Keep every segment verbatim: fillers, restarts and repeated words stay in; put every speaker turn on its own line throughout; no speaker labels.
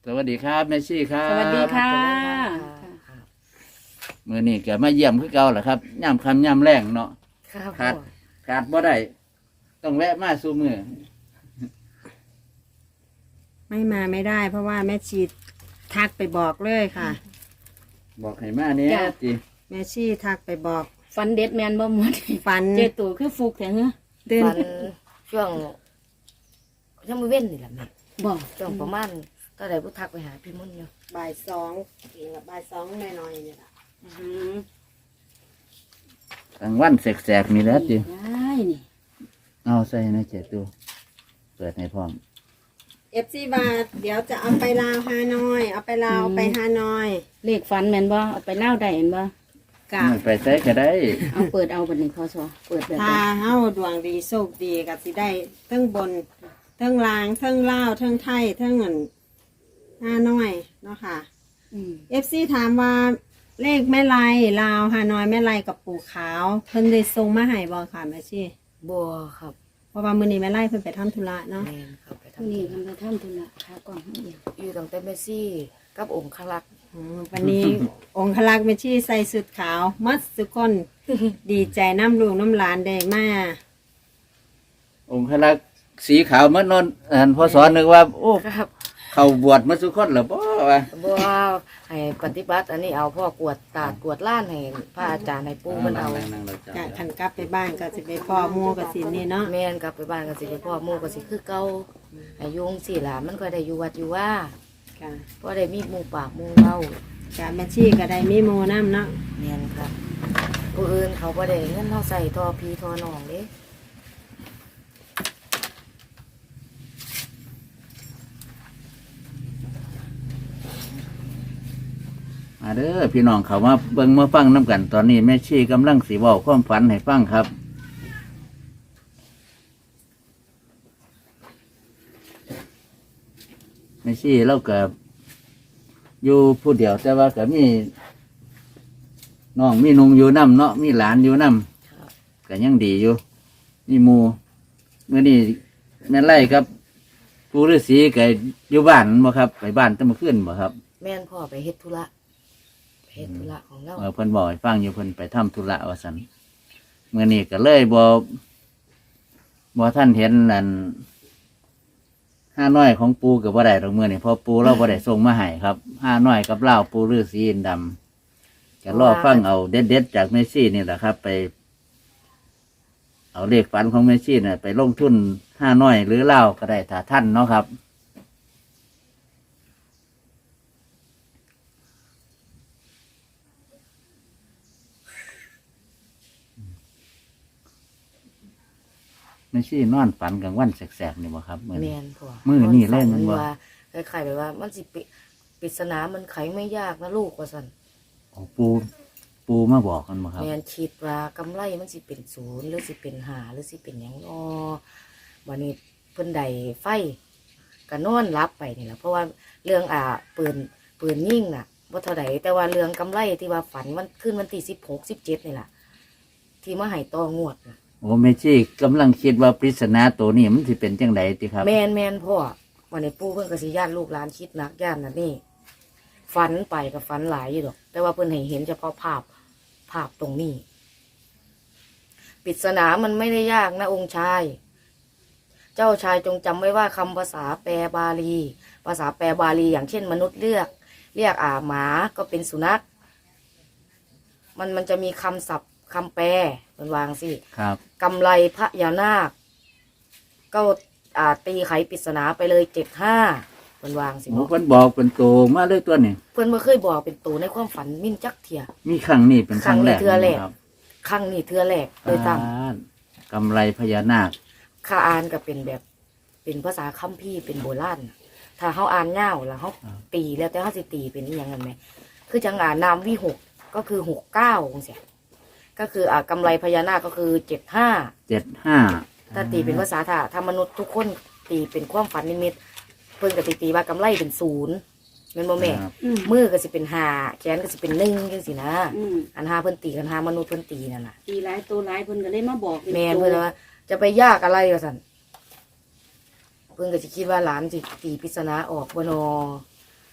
สวัสดีครับแม่ชี่ครับ
สวัสดีค่ะ
มื้อนี้ก็มาเยี่ยมคือเก่าแหละครับย่ำคำย่ำแรงเนาะ
ครับ
ขาดขาดบ่ได้ต้องแวะมาสู่มือ
ไม่มาไม่ได้ เพราะว่าแม่ชีทักไปบอกเลยค่ะ
บอกให้มาเนี้ย
จ้ะ
จิ
แม่ชีทักไปบอก
ฟันเด็ดแมนบ่หมด
ฟัน
เจตูคือฟุกแท้เหรอ
เดิน
ฟันช่วงยังไม่เว้นนี่แหละแม่
บ่
ช่วงประมาณก็ได้ผู้ทักไปหาพี่มุ่นอยู่
บ่ายสองเองกับบ่ายสองหน่อยๆเนี่ยล่ะ
อื้อหือก
ลางวันแสกๆนี่แหล้วจิ
ได้นี่
เอาใส่ในเจ็ดตัวเปิดให้พร้อม
เอฟซีบาทเดี๋ยวจะเอาไปลาวฮานอย เอาไปลาวไปฮานอย
เลขฟันแมนบ่เอาไปเล่าได้เห็นบ่
กะ
ไปใส่ก็ได้
เอาเปิดเอาบัดนี้พอสอเปิดแบบ
ถ้า
นี้
เฮาดวงดีโชคดีกับสิได้เทั้งบนเทั้งลางเทั้งลาวเทั้งไทยเทั้งเงินฮานอยเนาะค่ะ
อืม
เอฟซีถามว่าเลขแม่ไรลาวฮานอยแม่ไรกับปู่ขาว เพิ่นได้ส่งมาให้บ่ค่ะแม่ชี
บัวครับ
เพราะว่ามื้อนี้แม่ไรเพิ่นไปทำธุระเนาะ
แมนครับไป
พรุ่ง
ทำ
นี้
ธุ
ทำ
ระ
ไปทำธุระขากล่องให้เดียว
อยู่ตั้งแต่เมสซี่กับองค์คลักษ์
อืมวันนี้ องคลักษ์แม่ชีใส่สุดขาวมัดทุกคน ดีใจน้ำลูกน้ำหลานได้มา
องค์พระลักษณ์สีขาวเมื่อนอนอันพอสอนนึกว่า โอ้
ครับ
เขาบวชมาสุคนเหรอบ่วะ
บัวให้ปฏิบัติอันนี้เอาพ่อกวดตาดกวดล้านให้พระอาจารย์ให้ปู่มันเอา
นั่งๆๆๆ
กะขันกลับไปบ้านก็สิไปพ่อหมู่กับสินนี่เนาะ
แม่นกลับไปบ้านก็สิไปพ่อหมู่ก็สิคือเก่าอายุงสี่หลานมันก็ได้อยู่วัดอยู่ว่า
ค่ะ
เพราะได้มีหมู่ปากหมู่เว้าก
ะแม่ชีก็ได้มีโมน้ำเนาะ
แม่นครับผู้อื่นเขาบ่ได้เงินเฮาใส่ทอพีทอน้องเด้
มาเด้อพี่น้องเขามาเบิ่งมาฟังน้ำกันตอนนี้แม่ชีกำลังสีบอกความฝันให้ฟังครับแม่ชีเราก็อยู่ผู้เดียวแต่ว่าก็มีน้องมีนุงอยู่น้ำเนาะมีหลานอยู่น้ำก็ยังดีอยู่มีหมูเมื่อนี้แม่ไล่ครับปู่ฤาษีก็อยู่บ้านบ่ครับไปบ้านแตั้งมาขึ้นบ่ครับ
แม่นพ่อไปเฮ็ดธุระไปเฮ็ดธุระของเรา
เออเพิ่นบอกให้ฟังอยู่เพิ่นไปทำธุระว่าซั่นเมื่อนี้ก็เลยบ่บ่ท่านเห็นนั่นห้าน้อยของปูก็บ่ได้ดอกมื้อนี้เพราะปูเราบ่ได้ส่งมาให้ครับห้าน้อยกับเหล้าปูฤาษีอินทร์ดำก็รอฟังเอาเด็ดๆจากเมสซี่นี่แหละครับ ไป เอาเลขฝันของเมสซี่น่ะไปลงทุนห้าน้อยหรือเหล้าก็ได้ถ้าท่านเนาะครับเมสซี่นอนฝันกลางวันแสกๆนี่บ่ครับมื้อ
แม่
นี้
นพ่อ
มื้อนี้เล่นมัน
ฝั
บ่
ว่าคล้ายๆแบบว่ามันสิปิปริศนามันไขไม่ยากนะลูกว่าซั่น
อ๋อปูปูมาบอกกันบ่ครับ
แม่นคิดว่ากำไรมันสิเป็นศูนย์หรือสิเป็นห้าหรือสิเป็นหยังอ้อวันนี้เพิ่นได้ไฟก็นอนรับไปนี่แหละเพราะว่าเรื่องอ่าปืนปืนยิ่งน่ะบ่เท่าใดแต่ว่าเรื่องกำไรที่ว่าฝันมันขึ้นวันที่สิบหก สิบเจ็ดนี่ล่ะที่มาให้ต่องวดน่ะ
โอ้เมชี่กำลังคิดว่าปริศนาตัวนี้มันสิเป็นจังไดติครับ
แม่นแม่นพ่อวันนี้ปู่เพิ่นก็สิญาติลูกหลานคิดหนักย่านนั่นนี่ฝันไปกับฝันหลายอยู่ดอก แต่ว่าเพิ่นให้เห็นเฉพาะภาพภาพตรงนี้ปริศนามันไม่ได้ยากนะองค์ชาย เจ้าชายจงจำไว้ว่าคำภาษาแปลบาลี ภาษาแปลบาลีอย่างเช่น มนุษย์เรียก เรียกอ่าหมาก็เป็นสุนัข มันมันจะมีคำศัพท์คำแปลมันวางสิ
ครับ
กำไรพระยานาค ก็อ่าตีไขปริศนาไปเลยเจ็ดห้ามันวางสิ
โอ้เพิ่นบอกเป็นโตมาเลยตัวนี้
เพื่อนเมื่อเคยบอกเป็นตัวในความฝันมินจักเทีย
มีครั้งนี้เป็นครั้งแรก
ครั้งนี้เทื่อแรก
ครับ
ครั้งนี้เทือแรกโดยตาม
อ่ากำไรพญานาค
ข้าอ่านก็เป็นแบบเป็นภาษาคัมภีร์เป็นโบราณน่ะถ้าเขาอ่านเง่าแล้วเขาตีแล้วแต่เขาสิตีเป็นอหย่างนั้นไหมคือจังอ่านนามวิหกก็คือหกเก้าองเสียก็คืออ่ากำไรพญานาคก็คือเจ็ดห้า
เจ็ดห้า
ถ้าตีเป็นภาษาถ้าถ้ามนุษย์ทุกคนตีเป็นความฝันนิมิตเพิ่นก็ตีตีว่ากำไรเป็นศูนย์เงินโมแม่
ครับ
อืม
มือก็สิเป็นห้าแขนก็สิเป็นหนึ่งจังสินะ
อืม
อันห้าเพิ่นตีกันห้ามนุษย์เพิ่นตีนั่นน่ะ
ตีหลายตัวหลายเพิ่นก็เลยมาบอกป็
แม่น
ตัว
เพิ่นว่าจะไปยากอะไรก็สั่นเพิ่นก็สิคิดว่าหลานสิตีปริศนาออกบ่นอ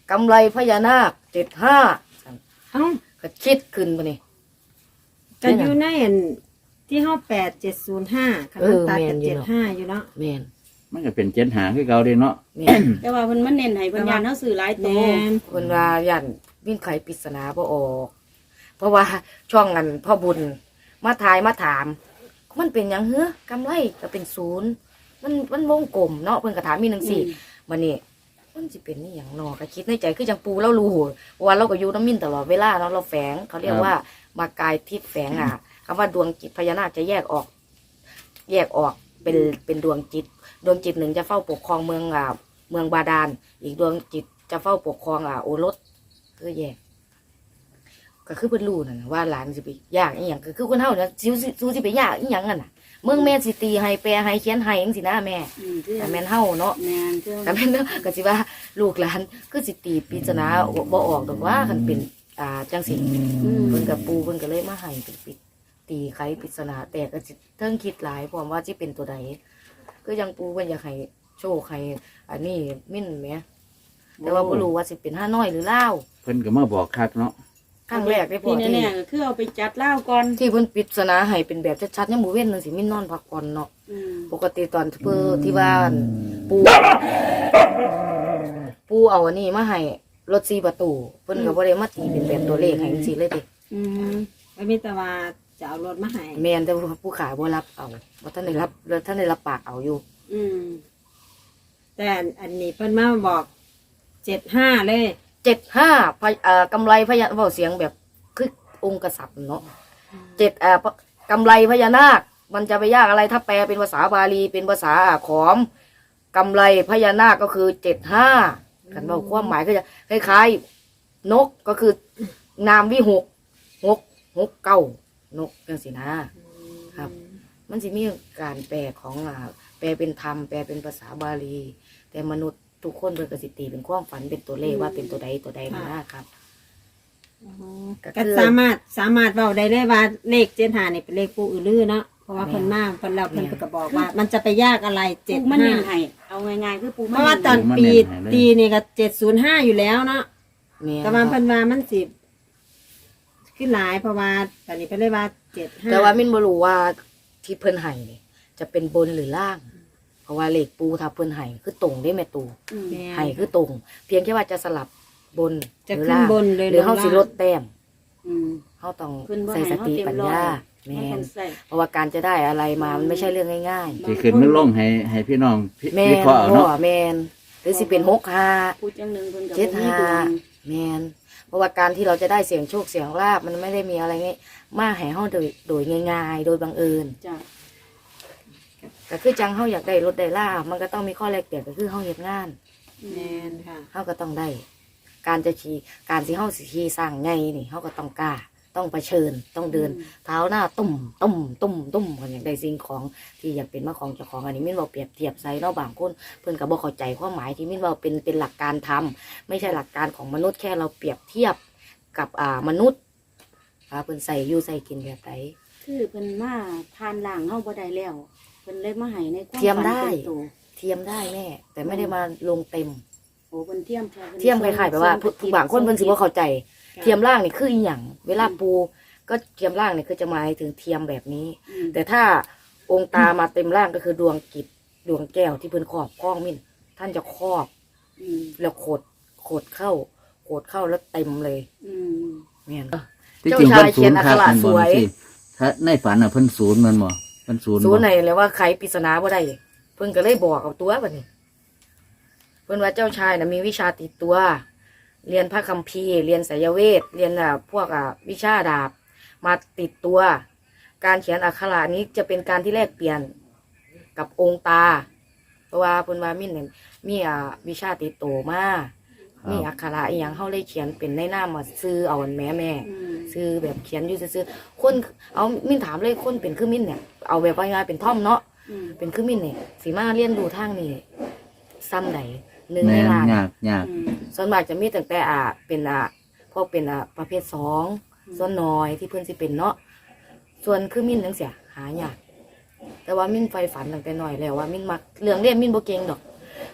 กำไรพญานาคเจ็ดห้า
เอ้า
ก็คิดขึ้นมานี่
ก็อยู่ในอันที่ห้าแปดเจ็ดศูนย์ห้าคัน
เอ
มัน
อ
ตัด
แม่
กัน บ
อยู่
เจ็ด
เนาะ
ห้าอยู่เนาะ
แมน
มันก็เป็นเจ็ดหาคือเก่าเด้เนาะ
แมน
แต่ว่าเพิ่นมันเน้นให้เพิ่นยานเฮาซื้อหลายโต
แม่น
คนว่ายันวิ่งไขปริศนาบ่ออก เพราะว่าช่องนั้นพ่อบุญมาทายมาถาม มันเป็นหยังเฮ้อกำไรก็เป็นศูนย์มันมันวงกลมเนาะเพิ่นก็ถามมีหนังสี่มันนี่มันสิเป็นนี่หยังเนาะก็คิดในใจคือจังปูเรารู้ว่าเราก็อยู่น้ำมินตลอดเวลาเนาะเราแฝงเขาเรียกว่ามากายทิพย์แฝงอ่ะคำว่าดวงจิตพญานาคจะแยกออก แยกออกเป็นเป็นดวงจิต ดวงจิตหนึ่งจะเฝ้าปกครองเมืองอ่าเมืองบาดาลอีกดวงจิตจะเฝ้าปกครองอ่าโอรสก็แยกก็คือเพิ่นรู้นั่นน่ะว่าหลานสิไปยากอีหยังก็คือคนเฮาเนี่ยซิวซิวสิไปยากอีหยังนั่นน่ะเมืองแม่สิตีให้แปลให้เขียนให้จังซี่นะแม่
อืมคือ
แต่แม่นเฮาเนาะ
แม่นคือ
แต่แม่นเนาะก็สิว่าลูกหลานคือสิตีปริศนาบ่ออกดอกว่าคันเป็นอ่าจังซี่
อืม
เพิ่นกับปูเพิ่นก็เลยมาให้เป็นปิดตีไขปริศนาแต่ก็สิเทิงคิดหลายพร้อมว่าสิเป็นตัวใดก็ยังปูเพิ่นอยากให้โชคให้อันนี้มิ่นแหมแต่ว่าบ่รู้ว่าสิเป็นห้าน้อยหรือลาว
เพิ่นก็มาบอกคักเนาะ
ครั้งแรกได้พอ
ที่
ที่
แน่ๆก็คือเอาไปจัดเหล้าก่อน
ที่เพิ่นปริศนาให้เป็นแบบชัดๆยามมื้อเว้นนึงสิมิ่นนอนพักผ่อนเนาะ
อืม
ปกติตอนเพิ่นที่บ้านปูปูเอาอันนี้มาให้รถสี่ประตูเพิ่นก็บ่ได้มาตีเป็นแบบตัวเลขให้จังซี่เลยเด้
อืมไม่มีแต่ว่าจะเอารถมาให้
แม่นแต่ว่าผู้ขายบ่รับเอาบ่ทันได้รับท่านได้รับปากเอาอยู่
อืม
แต่อันนี้เพิ่นมาบอกเจ็ดห้าเลย
เจ็ดห้าพยเอ่อกำไรพญาเว้าเสียงแบบคือองค์กษัตริย์เนาะเจ็ดเอ่อกำไรพญานาคมันจะไปยากอะไรถ้าแปลเป็นภาษาบาลีเป็นภาษาขอมกำไรพญานาคก็คือเจ็ดห้ากันว่าความหมายก็จะคล้ายๆนกก็คือนามวิหกหกหกเก้านกจังสินะครับ มันสิมีการแปลของอ่าแปลเป็นธรรมแปลเป็นภาษาบาลี แต่มนุษย์ทุกคนเป็นกสิตีเป็นความฝันเป็นตัวเลขว่าเป็นตัวใดตัวใดมานะครับ ก็คือ
ก็สามารถสามารถเว้าได้เลยว่าเลขเจ็ดห้านี่เป็นเลขปูอือลือเนาะเพราะว่าเพิ่นมาเพิ่นเราเพิ่นก็บอกว่า มันจะไปยากอะไรเจ็ด
ปูมัน
ห้า
เน้นให้เอาง่ายๆคือปู
เพ
มัน
ราะว่าตอนปีตีนี่ก็เจ็ดศูนย์ห้าอยู่แล้วเนาะ
แม่น
แต่ว่าเพิ่นว่ามันสิขึ้นหลายเพราะว่าตอนนี้เพิ่นเลยว่าเจ็ดห้า
แต่ว่ามินบ่รู้ว่าที่เพิ่นให้นี่จะเป็นบนหรือล่าง เพราะว่าเลขปูถ้าเพิ่นให้คือตรงได้แม่ตู
อืม
แม่
ให้คือตรง เพียงแค่ว่าจะสลับบน
จะ
หรือ
ขึ้น
ล่าง
บนเลย
หรือเฮาสิ
ง
ลดแต้ม
อืม
เฮาต้อง
เพิ่นบ่
ใส่
ให้
ส
เฮา
ติ
เต็ม
ปัญ
ร้อย
ญา
เฮา
แม่
ต้อน งใส่
เพราะว่าการจะได้อะไรมามันไม่ใช่เรื่องง่าย
สิขึ้นนึกลงให้ให้พี่น้องพิ
ๆแม่
วิ
น
เคราะห์เอา
พ่อ
เนาะ
แม่นหรือสิเป็นหกห้า
พูดจังหนึงเพิ่นก็
เจ็ด
บ่มี
ห้า
ดวง
แมนเพราะว่าการที่เราจะได้เสียงโชคเสียงลาบมันไม่ได้มีอะไรง่ายมาให้เฮาโดยโดยง่ายๆ โดยบังเอิญ
จ้ะ
ก็คือจังเฮาอยากได้รถได้ลาบมันก็ต้องมีข้อแลกเปลี่ยนก็คือเฮาเฮ็ดงาน
แม่นค่ะ
เฮาก็ต้องได้ การจะขี่การที่เฮาสิขี่สร้างไงนี่เฮาก็ต้องกล้าต้องเผชิญต้องเดิน เท้าหน้าตุ่มตุ่มตุ่มตุ่มกันอย่างใดสิ่งของที่อยากเป็นมาของเจ้าของอันนี้มินเราเปรียบเทียบใส่เนาะบางคนเพิ่นก็บ่เข้าใจความหมายที่มินเราเป็นเป็นหลักการทำไม่ใช่หลักการของมนุษย์แค่เราเปรียบเทียบกับอ่ามนุษย์อ่าเพิ่นใส่อยู่ใส่กินแบบไหน
คือเพิ่นมาผ่านล่างเฮาบ่ได้แล้วเพิ่นเลยมาให้ในความ
เทียม
ฝัน
ได้
เป็นตัว
เทียมได้แม่แต่ไม่ได้มาลงเต็ม
โอ้เพิ่นเทียมแค่พิ่น
เทียมคล้ายๆแบบว่าผู้บางคนเพิ่นสิบ่เข้าใจ เทียมล่างนี่คืออีหยังเวลาปูก็เทียมล่างนี่คือจะหมายถึงเทียมแบบนี้
อืม
แต่ถ้าองค์ตามาเต็มร่างก็คือดวงกิจดวงแก้วที่เพิ่นครอบคล้องมินท่านจะครอบ
อืม
แล้วโขดโขดเข้าโขดเข้าแล้วเต็มเลย
อืม
เนี่ย
ที่จริง
เจ้า
เพิ่
ชาน ยเขี
ศู
ย
น
น
ย์
อัก
คั
ข
ก
ระ
มัน
ส
บ่
วย
สิถ้าในฝันน่ะเพิ่นศูนย์มันบ่เพิ่นศูนย์
ศูน
บ่
ย์ไหนเลยว่าไขปริศนาบ่ได้เพิ่นก็เลยบอกกับตัวบัดนี้เพิ่นว่าเจ้าชายน่ะมีวิชาติดตัว เรียนพระคัมภีร์เรียนไสยเวทเรียนอ่ะพวกอ่ะวิชาดาบมาติดตัว การเขียนอักขระนี้จะเป็นการที่แลกเปลี่ยนกับองค์ตา เพราะว่าเพิ่นว่ามินเนี่ยมีอ่าวิชาติดตัวมามีอักขระอีหยังเฮาเลยเขียนเป็นในนามว่าซื้อเอาอันแม่แม่
อืม
ซื้อแบบเขียนอยู่ซื่อๆคนเอามินถามเลยคนเป็นคือมินเนี่ยเอาแบบว่าง่ายๆเป็นท่อมเนาะ
อืม
เป็นคือมินเนี่ยสีมาเรียนดูทางนี่ซ้ำไหนหนึ่ง
แม่
ใน
น
ล้าน
ยากยาก
อืม
ส่วนมากจะมีตั้งแต่อ่าเป็นอ่าพวกเป็นอ่าประเภทสองส่วนน้อยที่เพิ่นสิเป็นเนาะส่วนคือมินจังเสียหายากแต่ว่ามินไฟฝันตั้งแต่น้อยแล้วว่ามินมักเรื่องเรียนมินบ่เก่งดอก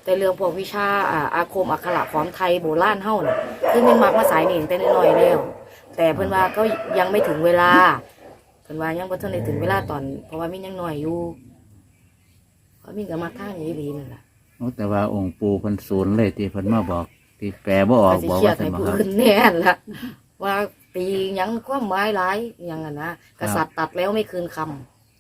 แต่เรื่องพวกวิชาอ่าอาคมอักขระของไทยโบราณเฮาน่ะคือมันมักมาสายนี่ตั้งแต่น้อยๆแล้วแต่เพิ่นว่าก็ยังไม่ถึงเวลาเพิ่นว่ายังบ่ทันได้ถึงเวลาตอนเพราะว่ามียังน้อยอยู่เพราะมีก็มักทางนี้ดีนั่นล่ะ
โอ้แต่ว่าองค์ปู่เพิ่นศูนย์เลยที่เพิ่นมาบอกที่แปลบ่ออก
ก็สิ
บอก
เครีย
ว่า
ด
ซั่
ให้
นบ่
ผู้
ครับ
อื่นแน่นล่ะว่าตีหยังความหมายหลายหยังอ่ะนะกษัตริย์ตัดแล้วไม่คืนคำ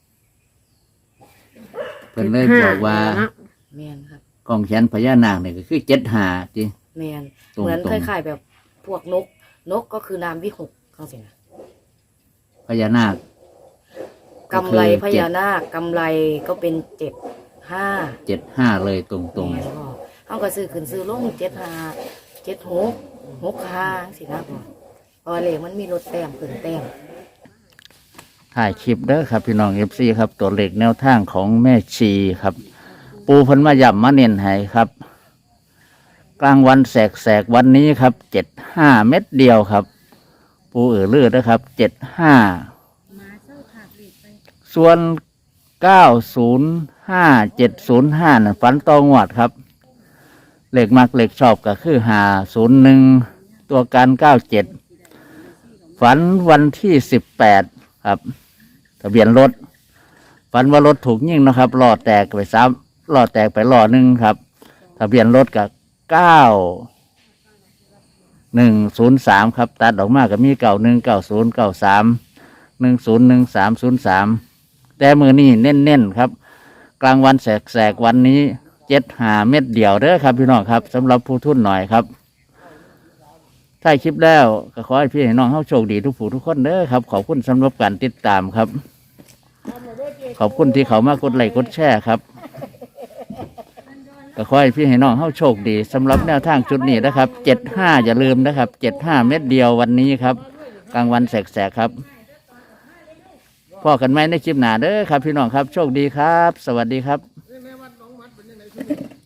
เพิ่นเลยบอกว่า
เนาะ
แม่นครับ
กองแขนพญานาคนี่ก็คือเจ็ดห้าติ
แม่น
ตรงๆ
เหมือนคล้ายๆแบบพวกนก นกก็คือนามวิหกเขาสินะ
พญานาค
กำไรพญานาคกำไรก็เป็นเจ็ดห้า
เจ็ดห้าเลยตรง
แม่นพ่อเขาก็ซื้อขึ้นซื้อลงเจ็ดห้าเจ็ดหกหกห้าสินะพ่อเพราะว่าเลขมันมีลดแต้มขึ้นแต้ม
ๆถ่ายคลิปเด้อครับ พี่น้อง เอฟ ซี ครับตัวเลขแนวทางของแม่ชีครับ ปูเพิ่นมาย่ำมาเน้นให้ครับ กลางวันแสกๆวันนี้ครับเจ็ดห้าเม็ดเดียวครับ ปูเอือเลือดนะครับเจ็ดห้าส่วนเก้าศูนย์ห้าเจ็ดศูนย์ห้านั่นฝันตองวดครับเลขมักเลขชอบก็คือห้าศูนย์หนึ่งตัวการเก้าเจ็ดฝันวันที่สิบแปดครับทะเบียนรถฝันว่ารถถูกยิงนะครับล้อแตกไปซ้ำล้อแตกไปล้อหนึ่งครับทะเบียนรถกับเก้าหนึ่งศูนย์สามครับตัดออกมากับมีเก้าหนึ่งเก้าศูนย์เก้าสามหนึ่งศูนย์หนึ่งสามศูนย์สามแต่มือนี่เน้นๆครับ กลางวันแสกๆวันนี้เจ็ดหาเม็ดเดียวเด้อครับพี่น้องครับสำหรับผู้ทุนหน่อยครับถ้าคลิปแล้วก็ขอให้พี่ให้น้องเข้าโชคดีทุกผู้ทุกคนเด้อครับขอบคุณสำหรับการติดตามครับ ขอบคุณที่เขามากดไลค์กดแชร์ครับก็ขอให้พี่ให้น้องเข้าโชคดีสำหรับแนวทางชุดนี้นะครับเจ็ดห้าอย่าลืมนะครับเจ็ดห้าเม็ดเดียววันนี้ครับ กลางวันแสกๆครับพอกันไหมในคลิปหน้าเด้อครับพี่น้องครับโชคดีครับ สวัสดีครับ